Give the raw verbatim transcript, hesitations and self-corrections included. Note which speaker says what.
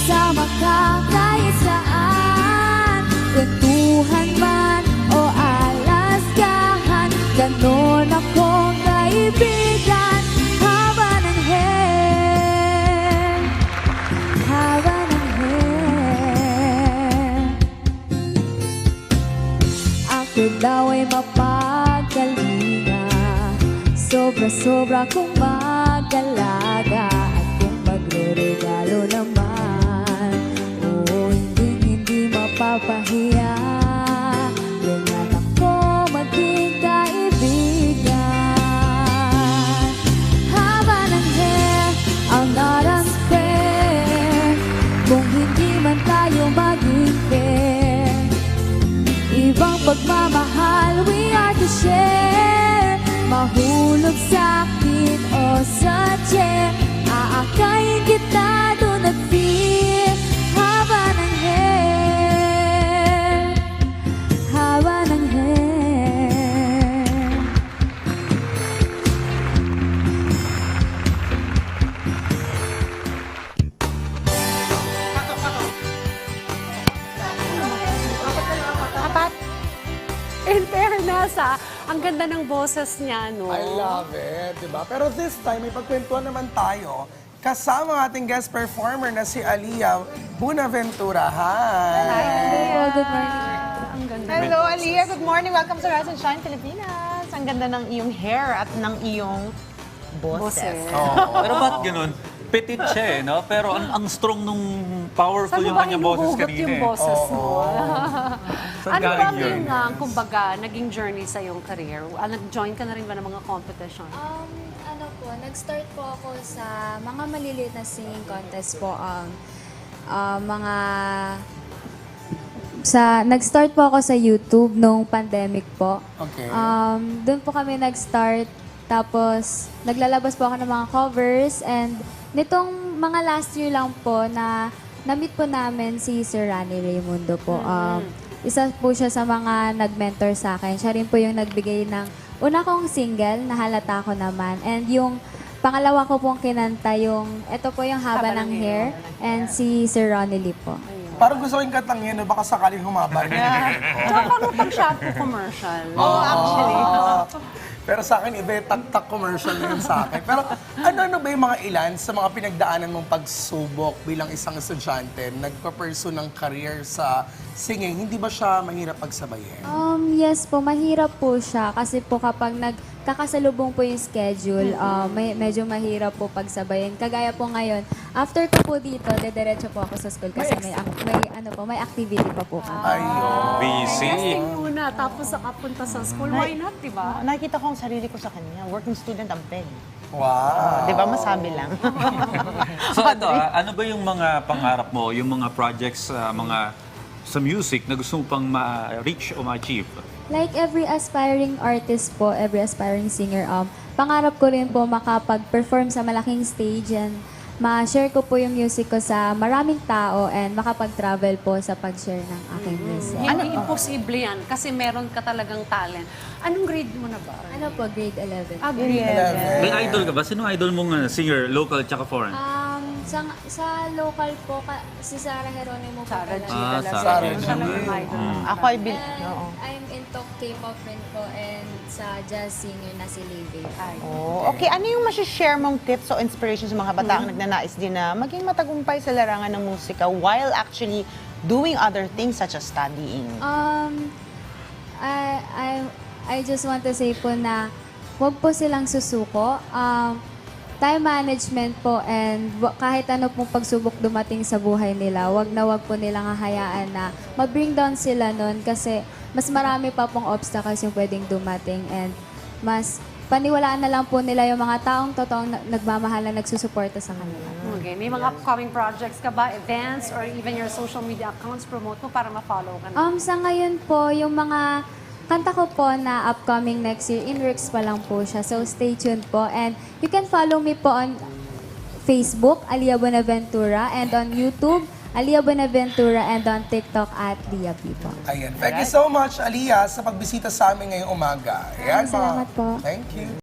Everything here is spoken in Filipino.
Speaker 1: Kasama ka kahit saan, kwentuhan man o alaskahan, ganon akong kaibigan. Haba ng hair, haba ng hair. Ako daw ay mapagalinga, sobra-sobra kong mag-alaga. At kung magre-regalo naman, oo, hindi-hindi mapapahiya. Ganyan ako maging kaibigan. Haba ng hair, I'm not unfair. Kung hindi man tayo maging fair, ibang pagmamahal we are to share. Mahulog sa akin o sa chair, aakayin kita doon at fear. Haba ng hair, haba ng hair.
Speaker 2: Apat. In fairness, ah, ang ganda ng boses niya, no?
Speaker 3: I love it, di ba? Pero this time, may pagkwentuhan naman tayo kasama ang ating guest performer na si Aliyah Buenaventura. Hi!
Speaker 1: Oh, good morning.
Speaker 2: Ang ganda.
Speaker 4: Hello, Aliyah. Good morning. Welcome sa Rise and Shine Pilipinas. Ang ganda ng iyong hair at ng iyong boses.
Speaker 2: Boses.
Speaker 5: Pero ba't ganun? Petit siya eh, no? Pero ang, ang strong nung powerful
Speaker 2: Saan mo
Speaker 5: yung
Speaker 2: ba
Speaker 5: kanyang boses
Speaker 2: hinuhugot
Speaker 5: kanina
Speaker 2: yung
Speaker 5: eh.
Speaker 2: boses mo?
Speaker 5: Saan
Speaker 2: Ano ba
Speaker 5: galing yun?
Speaker 2: yung, uh, kumbaga, naging journey sa iyong career? Uh, nag-join ka na rin ba ng mga competition?
Speaker 1: Um, ano po, nag-start po ako sa mga maliliit na singing contest po. Um, uh, mga... Sa, nag-start po ako sa YouTube nung pandemic po.
Speaker 3: Okay.
Speaker 1: Um, doon po kami nag-start. Tapos, naglalabas po ako ng mga covers. And nitong mga last year lang po na na-meet po namin si Sir Rani Raimundo po. Um, isa po siya sa mga nag-mentor sa akin. Siya rin po yung nagbigay ng una kong single na Halata Ko Naman. And yung pangalawa ko pong kinanta yung, ito po yung Haba, ng Hair. And si Sir Ronnie Lee po.
Speaker 3: Parang gusto ko yung katangin, no? Baka sakaling humaba.
Speaker 2: Tsaka paano pag shampoo commercial?
Speaker 4: Oh, actually.
Speaker 3: Pero sa akin, iba yung tak-tak commercial na yun sa akin. Pero ano-ano ba yung mga ilan sa mga pinagdaanan mong pagsubok bilang isang estudyante, nagpa-pursue ng career sa singing, hindi ba siya mahirap pagsabayin?
Speaker 1: Um, yes po, mahirap po siya. Kasi po kapag nagkakasalubong po yung schedule, uh, may, medyo mahirap po pagsabayin. Kagaya po ngayon, after ko po dito, dediretso po ako sa school kasi may, ac- may, ano po, may activity pa po kami.
Speaker 3: Ayun.
Speaker 5: Busy.
Speaker 2: Testing muna, tapos nakapunta sa school. Why not, di ba?
Speaker 4: Nakikita ko ang sarili ko sa kanya. Working student ang peg.
Speaker 3: Wow.
Speaker 4: Di ba? Masabi lang.
Speaker 5: So ito, ah, ano ba yung mga pangarap mo, yung mga projects, ah, mga sa music na gusto mo pang ma-reach o ma-achieve?
Speaker 1: Like every aspiring artist po, every aspiring singer, um, pangarap ko rin po makapag-perform sa malaking stage and ma-share ko po yung music ko sa maraming tao and makapag-travel po sa pag-share ng aking music.
Speaker 2: Hindi imposible yan kasi meron ka talagang talent. Anong grade mo na ba?
Speaker 1: Ano po, grade eleven?
Speaker 2: Ah, grade
Speaker 5: May idol ka ba? Sino idol mong ah, singer, local tsaka foreign?
Speaker 1: Um, sa, sa local po, ka, si Sarah Geronimo po
Speaker 2: Sarah G.
Speaker 1: talaga.
Speaker 5: Ah,
Speaker 2: talaga.
Speaker 5: Sarah
Speaker 2: Yun
Speaker 5: G.
Speaker 2: talaga ang idol mo.
Speaker 4: Ako ay bil...
Speaker 1: And
Speaker 4: Oo.
Speaker 1: I'm into K-pop rin po and sa jazz singer na si Levy.
Speaker 4: Oh, okay, ano yung masishare mong tips o inspiration sa mga bataang nagnanais din na maging matagumpay sa larangan ng musika while actually doing other things such as studying?
Speaker 1: Um, I, I, I just want to say po na huwag po silang susuko. Um, time management po and wa- kahit ano pong pagsubok dumating sa buhay nila, wag na wag po nilang hahayaan na ma-bring down sila nun kasi mas marami pa pong obstacles yung pwedeng dumating and mas paniwalaan na lang po nila yung mga taong totoong na- nagmamahal na nagsusuporta sa kanila.
Speaker 2: Okay, may mga upcoming projects ka ba? Events or even your social media accounts promote mo para ma-follow ka na?
Speaker 1: Um, sa ngayon po, yung mga kanta ko po na upcoming next year, in works pa lang po siya. So, stay tuned po. And you can follow me po on Facebook, Aliyah Buenaventura, and on YouTube, Aliyah Buenaventura, and on TikTok at Lia P po.
Speaker 3: Ayan. Thank you so much, Aliyah, sa pagbisita sa amin ngayong umaga. Ayan,
Speaker 1: Salamat
Speaker 3: mga-
Speaker 1: po.
Speaker 3: Thank you.